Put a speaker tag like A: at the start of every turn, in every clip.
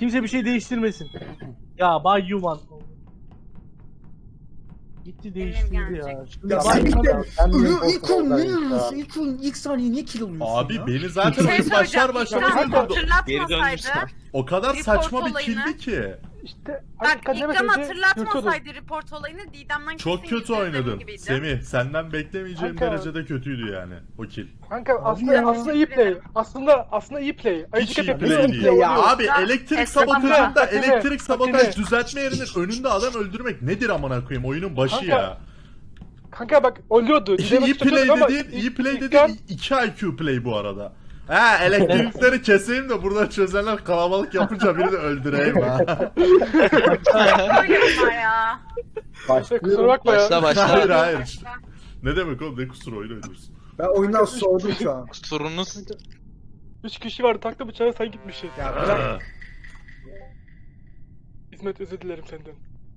A: Kimse bir şey değiştirmesin. Ya Bay Yuvan. Gitti değiştirdi ya. Şimdi
B: Ya
A: Bay
B: sen
A: Yuvan-
B: de ilk saniye niye kill alıyorsun
C: Abi
B: ya?
C: beni zaten
D: Şey
C: oyun başlar
D: söyleyeceğim.
C: başlamaz
D: İkram
C: öldürdü.
D: hatırlatmasaydı.
C: O kadar
D: Report
C: saçma bir
D: olayını.
C: killdi ki.
A: İşte
D: Bak
A: Kademe
D: İkram
A: teyze
D: hatırlatmasaydı report olayını Didem'den
C: Çok
D: kesin
C: kötü
D: %100
C: oynadın.
D: gibiydi.
C: Semih senden beklemeyeceğim
A: Kanka.
C: derecede kötüydü yani o kill.
A: Kanka
D: ya.
A: aslında iyi play. Aslında iyi play.
C: Hiç
A: Ayıcık
C: iyi
A: hepimiz
C: play
A: iyi
C: değil.
A: play oluyor.
C: Abi
D: Ya,
C: elektrik
D: Esra
C: sabotajında
A: Fatime,
C: elektrik sabotaj
A: Fatime.
C: düzeltme yerinin önünde adam öldürmek nedir amına koyayım oyunun başı
A: Kanka,
C: ya.
A: Kanka bak oluyordu.
C: İyi play dediğin, iyi play dediğin 2 IQ play bu arada. Ha elektrikleri keseyim de burada çözenler kalabalık yapınca biri de öldüreyim ha.
D: Öyle bunlar ya.
A: Kusura bakma ya.
C: Hayır hayır. Ne demek oğlum ne kusur oyun oynuyorsun.
B: Ben oyundan soğudum şu an.
E: Kusurunuz
A: 3 kişi vardı taktı bıçağı sen gitmişsin.
B: Ya bırak.
A: İsmet özür dilerim senden.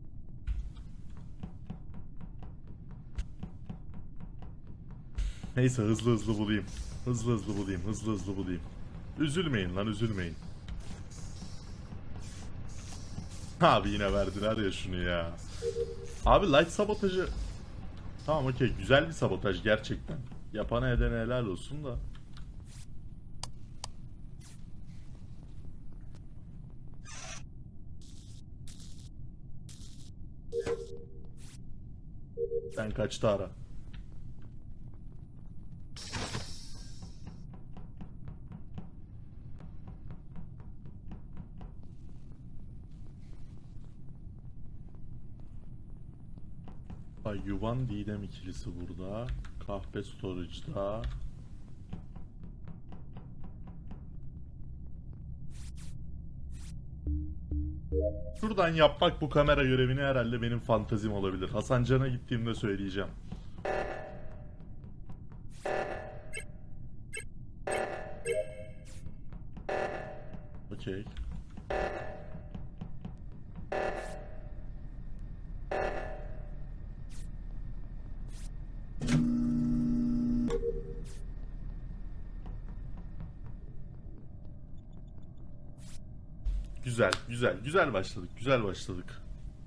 C: Neyse hızlı bulayım. Hızlı bulayım. Üzülmeyin lan üzülmeyin. Abi yine verdiler ya şunu ya. Abi light sabotajı... Tamam okey güzel bir sabotaj gerçekten. Yapana edene helal olsun da. Sen kaçtı ara. Ay Yuvan Didem ikilisi burada. Kahpe Storage'da. Şuradan yapmak bu kamera görevini herhalde benim fantazim olabilir. Hasan Can'a gittiğimde söyleyeceğim. Okey. Güzel başladık.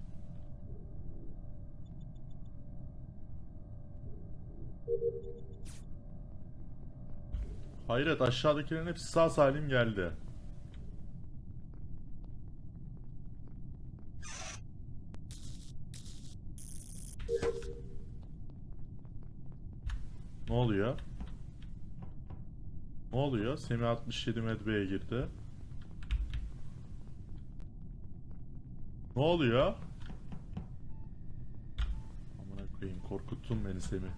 C: Hayret aşağıdakilerin hepsi sağ salim geldi. Ne oluyor? Semih 67 medbeye girdi. Ne oluyor? Amına koyayım korkuttun beni Semih.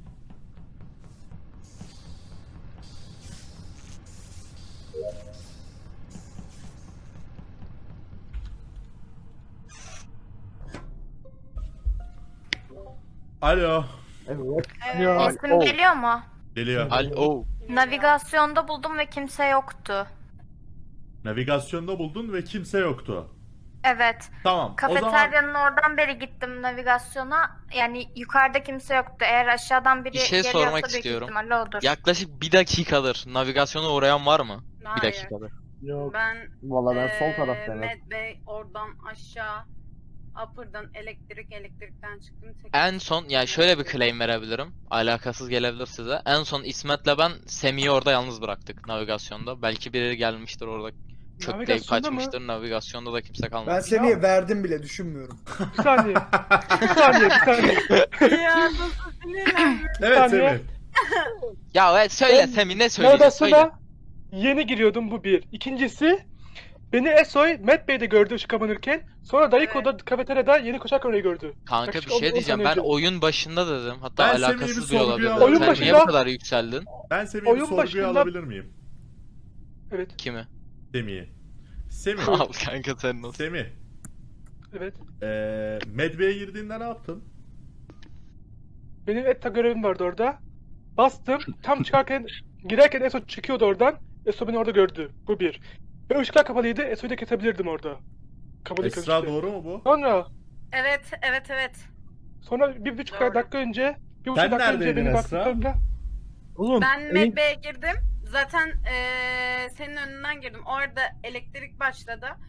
C: Alo.
D: Resim geliyor mu?
C: Geliyor.
E: alo.
D: Navigasyonda buldum ve kimse yoktu.
C: Navigasyonda buldun ve kimse yoktu.
D: Evet.
C: Tamam. O zaman
D: Kafeteryanın oradan beri gittim navigasyona. Yani yukarıda kimse yoktu. Eğer aşağıdan biri
E: Bir şey
D: geliyorsa
E: sormak
D: büyük
E: istiyorum.
D: ihtimalle odur.
E: Yaklaşık 1 dakikadır navigasyona uğrayan var mı?
F: Hayır.
E: 1 dakikadır.
A: Yok.
F: Ben
G: Valla ben sol taraftayım.
F: Med Bey oradan aşağı Upper'dan elektrikten çıktım.
E: En son yani şöyle bir claim verebilirim. Alakasız gelebilir size. En son İsmet'le ben Semih'i orada yalnız bıraktık navigasyonda. Belki biri gelmiştir orada kökleyip
A: Navigasyonda mı?
E: kaçmıştır. Navigasyonda da kimse
B: Ben
E: kalmadı.
B: seni verdim bile düşünmüyorum.
A: Bir saniye. Bir saniye.
F: Ya nasıl sinirlendim.
C: evet
A: saniye.
C: Semih.
E: Ya evet söyle
A: Ben
E: Semih ne söyleyeceksin söyle.
A: Navigasyona yeni giriyordum bu bir. İkincisi beni Esoy Matt Bey'de gördü ışık kapanırken. Sonra Dayıko'da kafeteryada yeni koşarken orayı gördü.
E: Kanka
A: Yaklaşık
E: bir şey
A: 10
E: diyeceğim.
A: saniye
E: Ben
A: önce.
E: oyun başında dedim. Hatta
C: Ben Semih'i bir
E: alakasız bir
C: sorguya
E: olabilir.
C: alayım.
A: Oyun
E: Sen niye
A: başında-
E: bu kadar yükseldin?
C: Ben Semih'i bir
A: Oyun
C: sorguya
A: başında-
C: alabilir miyim?
A: Evet.
E: Kimi?
C: Semih'i. Semih.
E: Al kanka sen nasıl?
C: Semih.
A: Evet.
C: Medve'ye girdiğinde ne yaptın?
A: Benim ETA görevim vardı orada. Bastım. Tam girerken Eso çıkıyordu oradan. Eso beni orada gördü. Bu bir. Ve ışıklar kapalıydı. Eso'yu da kesebilirdim orada. Kapalıyken
C: Esra
A: işte.
C: doğru mu bu?
F: Evet.
A: Sonra bir buçuk
F: Doğru.
A: dakika önce, bir buçuk
C: Sen
A: dakika önce
C: neredeydin
A: beni
C: Esra?
A: baktığımda oğlum
F: Ben
A: elin-
F: Med Bey'e girdim. Zaten senin önünden girdim. Orada elektrik başladı.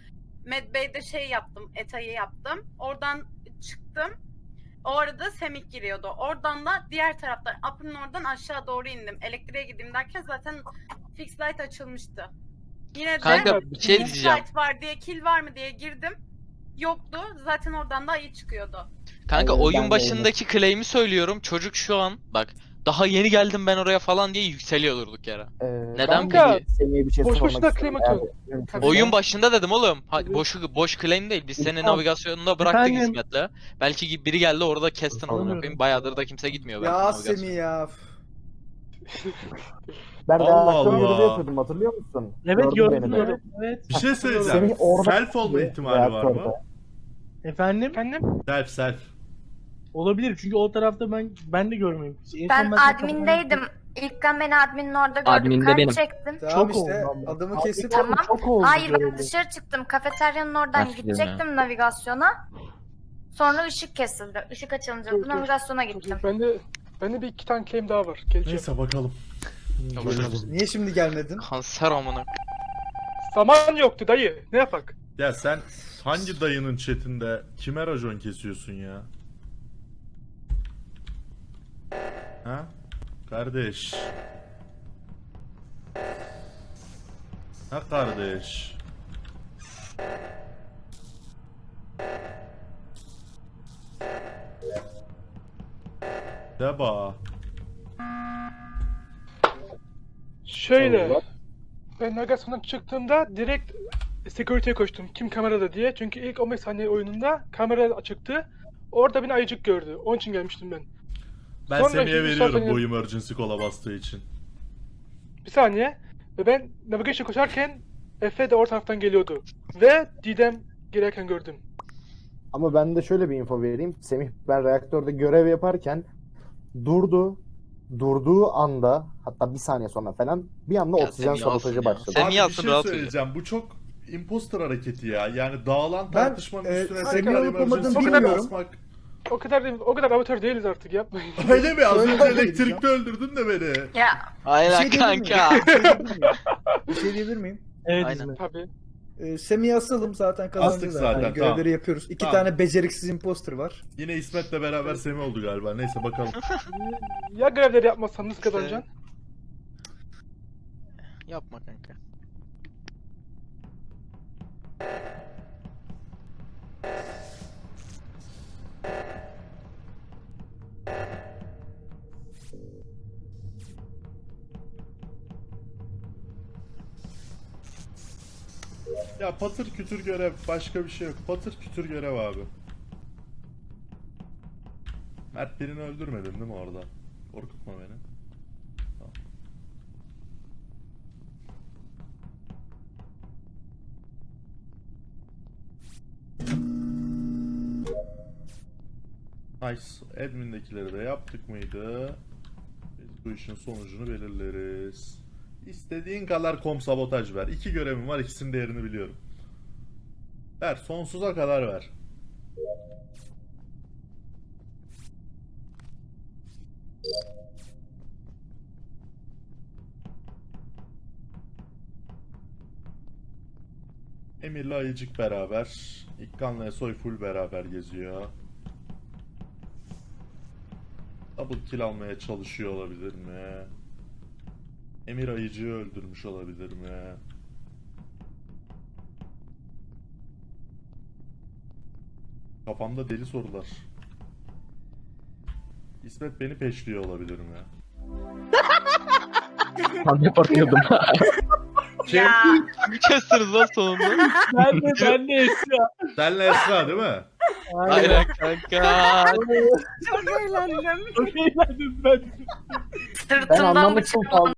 F: Medbay'de şey yaptım, ETA'yı yaptım. Oradan çıktım. O arada Semih giriyordu. Oradan da diğer taraftan, Upper'ın oradan aşağı doğru indim. Elektriğe gideyim derken zaten fix light açılmıştı. Yine de
E: Kanka bir şey
F: fix
E: diyeceğim.
F: light var diye, kill var mı diye girdim. Yoktu. Zaten oradan da ayı çıkıyordu.
E: Kanka
B: Aynen, ben
E: oyun
B: de
E: başındaki claim'i söylüyorum. Çocuk şu an bak daha yeni geldim ben oraya falan diye yükseliyor durduk yere. Neden
A: Kanka,
E: peki?
B: Semih'e bir şey
A: boş
B: sormak
A: boşuna
B: istiyorum.
A: claim
B: Eğer
A: atıyorsun.
B: mümkünse.
E: Oyun başında dedim oğlum.
A: Hı.
E: Boş claim değil. Biz seni
G: Tamam.
E: navigasyonunda bıraktık
G: Efendim?
E: İsmet'le. Belki biri geldi orada kestin amına
G: Anlıyorum.
E: koyayım. Bayağıdır da kimse gitmiyor belki
H: Ya
E: navigasyona.
H: Semih ya.
B: Ben
C: Allah
B: reaktör
C: Allah.
B: görevi yapıyordum, hatırlıyor musun?
G: Evet
B: Gördün beni de.
G: gördüm. Evet.
C: Bir şey söyleyeceğim.
B: Semih orada
C: Self olma ihtimali var mı?
B: reaktörde.
G: Efendim?
A: Efendim?
C: Self.
G: Olabilir çünkü o tarafta ben de görmeyeyim. En son
D: Ben
G: sana
D: admindeydim. İlkan beni adminin orada gördüm.
I: Adminde
D: Kart
I: benim.
D: çektim.
H: Tamam
G: Çok
H: işte
G: oldu ama.
H: adamı
G: Abi,
H: kesip
D: Tamam.
G: Çok oldu.
D: Hayır ben
G: görevi.
D: dışarı çıktım. Kafeteryanın oradan
I: Nasıl
D: gidecektim navigasyona. Sonra ışık kesildi. Işık açılınca
A: Dur,
D: da
A: dur.
D: navigasyona gittim.
A: Bende bir iki tane claim daha var. Geleceğim.
C: Neyse bakalım.
H: niye şimdi gelmedin?
E: Kanser amına.
A: Zaman yoktu dayı. Ne yapak?
C: Ya sen hangi dayının chatinde kime racon kesiyorsun ya? Ha? Kardeş. Ha kardeş. Deba.
A: Şöyle. Ben navigasyondan çıktığımda direkt security'ye koştum. Kim kamerada diye. Çünkü ilk 15 saniye oyununda kamera açıktı. Orada beni ayıcık gördü. Onun için gelmiştim ben.
C: Ben
A: Sonra
C: Semih'e
A: şimdi
C: veriyorum
A: zaten-
C: bu emergency kola bastığı için.
A: Bir saniye. Ve ben navigation koşarken Efe de o taraftan geliyordu. Ve Didem girerken gördüm.
B: Ama ben de şöyle bir info vereyim. Semih ben reaktörde görev yaparken durduğu anda, hatta bir saniye sonra falan bir anda
E: Ya
B: oksijen
E: Semih alsın
B: sabotajı
E: ya.
B: başladı.
E: Semih
C: Abi bir
E: alsın,
C: şey
E: rahat
C: söyleyeceğim. Bu çok imposter hareketi ya. Yani dağılan
H: Ben,
C: tartışmanın üstüne
H: Semih'i
C: tekrar
H: olup olmadığını
C: emergency kola
H: bilmiyorum.
C: basmak.
A: O kadar amatör değiliz artık, yapmayın.
C: Öyle mi? Az
H: Şöyle
C: önce
H: yapayım
C: elektrikte öldürdün de beni.
D: Ya
E: Aynen
H: diyebilir miyim?
E: kanka.
H: Bir şey diyebilir miyim?
G: Evet
E: Aynen.
G: İsmet.
A: Tabii.
H: Semih'i asalım zaten kazandı
C: Astık
H: zaten.
C: zaten,
H: Görevleri
C: tamam.
H: yapıyoruz. İki
C: Tamam.
H: tane beceriksiz imposter var.
C: Yine İsmet'le beraber Semih oldu galiba. Neyse bakalım.
A: Ya görevleri yapmazsan nasıl kazanacaksın?
E: Yapma kanka.
C: Ya patır kütür görev. Başka bir şey yok. Patır kütür görev abi. Mert birini öldürmedin değil mi orada? Korkutma beni. Tamam. Nice. Admin'dekileri de yaptık mıydı? Biz bu işin sonucunu belirleriz. İstediğin kadar kom sabotaj ver. 2 görevim var, ikisinin değerini biliyorum. Ver, sonsuza kadar ver. Emir'le Ayıcık beraber. İkkan'la Esoy full beraber geziyor. Double kill almaya çalışıyor olabilir mi? Emir Ayıcı'yı öldürmüş olabilir mi? Kafamda deli sorular. İsmet beni peşliyor olabilir mi?
I: Ben de korkuyordum.
F: Ya
E: Bir kestiniz lan sonunda.
G: Ben de Esra.
C: Senle Esra değil mi?
E: Aynen kanka.
F: çok eğlendim.
G: Çok eğlendim ben.
B: Ben
D: sırtımdan
B: anlamıştım
D: bıçak